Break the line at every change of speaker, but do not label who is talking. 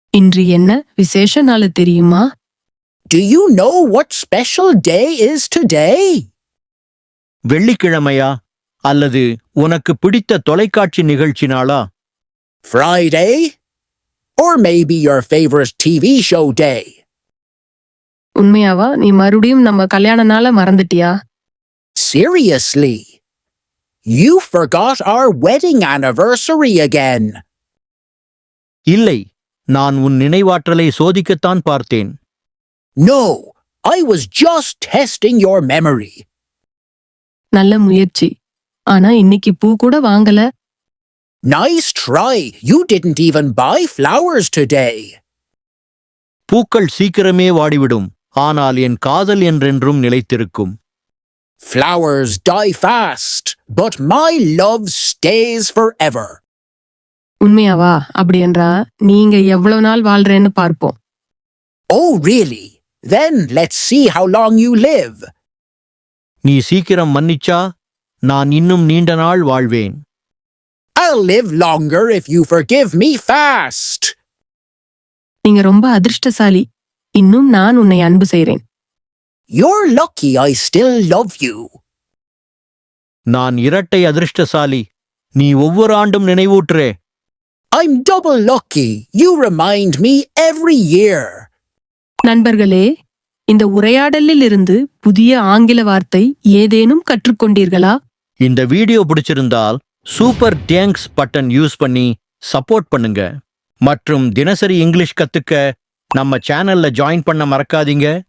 இன்று என்ன விசேஷ நாள் தெரியுமா?
Do you know what special day is today?
வெள்ளிக்கிழமையா அல்லது உனக்கு பிடித்த தொலைக்காட்சி நிகழ்ச்சி நாளா?
Friday? Or maybe your favorite TV show day?
உண்மையாவா? நீ மறுபடியும் நம்ம கல்யாண நாள மறந்துட்டியா?
Seriously? You forgot our wedding anniversary again.
இல்லை, நான் உன் நினைவாற்றலை சோதிக்கத்தான் பார்த்தேன்.
No, I was just testing your memory.
நல்ல முயற்சி. ஆனா இன்னைக்கு பூ கூட வாங்கல.
Nice try. You didn't even buy flowers today.
பூக்கள் சீக்கிரமே வாடிவிடும், ஆனால் என் காதல் என்றென்றும் நிலைத்திருக்கும்.
Flowers die fast, but my love stays forever.
உண்மையாவா? அப்படி என்றா நீங்க எவ்வளவு நாள் வாழ்றேன்னு பார்ப்போம்.
Oh, really? Then let's see how long you live.
நீ சீக்கிரம் மன்னிச்சா நான் இன்னும் நீண்ட நாள் வாழ்வேன்.
I'll live longer if you forgive me fast.
நீங்க ரொம்ப அதிர்ஷ்டசாலி. இன்னும் நான் உன்னை அன்பு செய்றேன்.
You're lucky I still love you.
நான் இரட்டை அதிர்ஷ்டசாலி. நீ ஒவ்வொரு ஆண்டும் நினைவூட்டுறே.
I'm double lucky. You remind me every year.
நண்பர்களே, இந்த உரையாடலில் இருந்து புதிய ஆங்கில வார்த்தை ஏதேனும் கற்றுக்கொண்டீர்களா?
இந்த வீடியோ பிடிச்சிருந்தால் சூப்பர் தேங்க்ஸ் பட்டன் யூஸ் பண்ணி சப்போர்ட் பண்ணுங்க. மற்றும் தினசரி இங்கிலீஷ் கத்துக்க நம்ம சேனல்ல ஜாயின் பண்ண மறக்காதீங்க.